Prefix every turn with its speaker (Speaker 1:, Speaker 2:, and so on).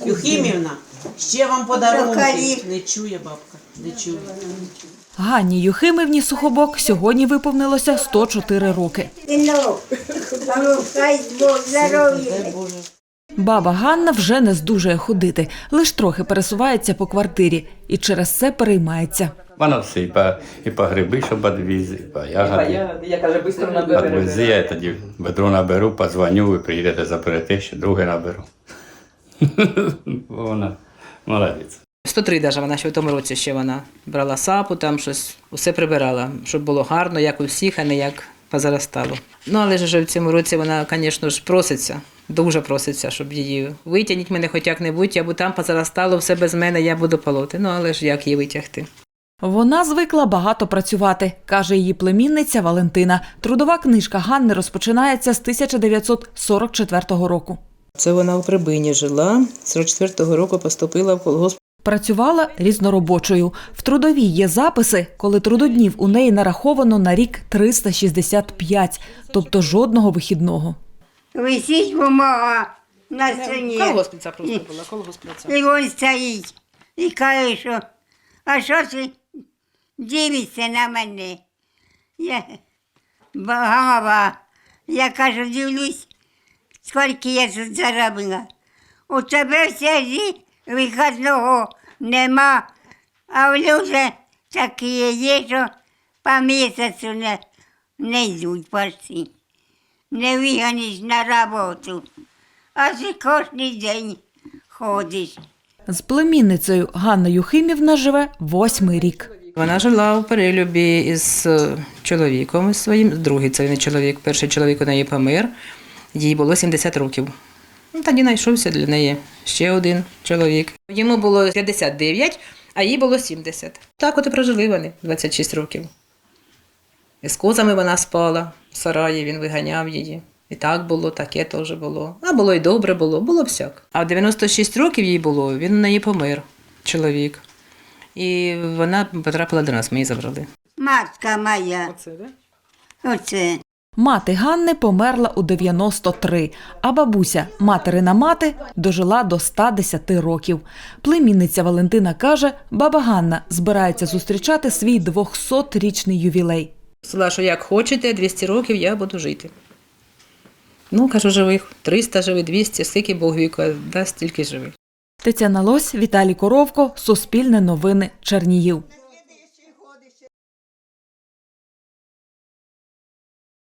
Speaker 1: Юхимівна, ще вам подарунки. Не чує бабка, не чує.
Speaker 2: Ганні Юхимівні Сухобок сьогодні виповнилося 104 роки. Баба Ганна вже не здужує ходити, лиш трохи пересувається по квартирі і через це переймається.
Speaker 3: Вона все, і по гриби, щоб відвіз, і по ягоди.
Speaker 4: Я каже, швидко наберу.
Speaker 3: Відвези, я тоді ведро наберу, позвоню, ви приїдете, заберете, ще друге наберу. Вона молодець.
Speaker 4: 103 навіть вона ще в тому році ще вона брала сапу, там щось, усе прибирала, щоб було гарно, як у всіх, а не як позаростало. Ну, але ж вже в цьому році вона, звісно ж, проситься, дуже проситься, щоб її витягніть мене хоч як-небудь, або там позаростало, все без мене, я буду полоти. Ну, але ж як її витягти?
Speaker 2: Вона звикла багато працювати, каже її племінниця Валентина. Трудова книжка Ганни розпочинається з 1944 року.
Speaker 4: Це вона у Прибині жила, з 44-го року поступила в колгосп.
Speaker 2: Працювала різноробочою. В трудовій є записи, коли трудоднів у неї нараховано на рік 365, тобто жодного вихідного.
Speaker 5: Висить бумага на стіні.
Speaker 4: Колгоспниця просто була, колгоспниця.
Speaker 5: І він стоїть і каже, що а що ти дивишся на мене? Я голова. Я кажу, дивлюсь, скільки я тут заробила. У тебе все виходного нема, а в люди такі є, що по місяцю не йдуть почти. Не виганеш на роботу, а ти кожен день ходиш.
Speaker 2: З племінницею Ганна Юхимівна живе 8-й рік.
Speaker 4: Вона жила у перелюбі із чоловіком із своїм, другий це не чоловік, перший чоловік у неї помер, їй було 70 років. Тоді знайшовся для неї ще один чоловік. Йому було 59, а їй було 70. Так от і прожили вони 26 років. І з козами вона спала, в сараї він виганяв її. І так було, таке теж було. А було і добре було всяк. А в 96 років їй було, він у неї помер, чоловік. І вона потрапила до нас, ми її забрали.
Speaker 5: Матка моя.
Speaker 4: Оце, так?
Speaker 5: Оце.
Speaker 2: Мати Ганни померла у 93, а бабуся, материна мати, дожила до 110 років. Племінниця Валентина каже, баба Ганна збирається зустрічати свій 200-річний ювілей.
Speaker 4: Сказала, що як хочете, 200 років я буду жити. Ну, кажу, живих, 300 живи, 200, скільки Бог віку дасть, стільки живи.
Speaker 2: Тетяна Лось, Віталій Коровко, Суспільне новини, Чернігів.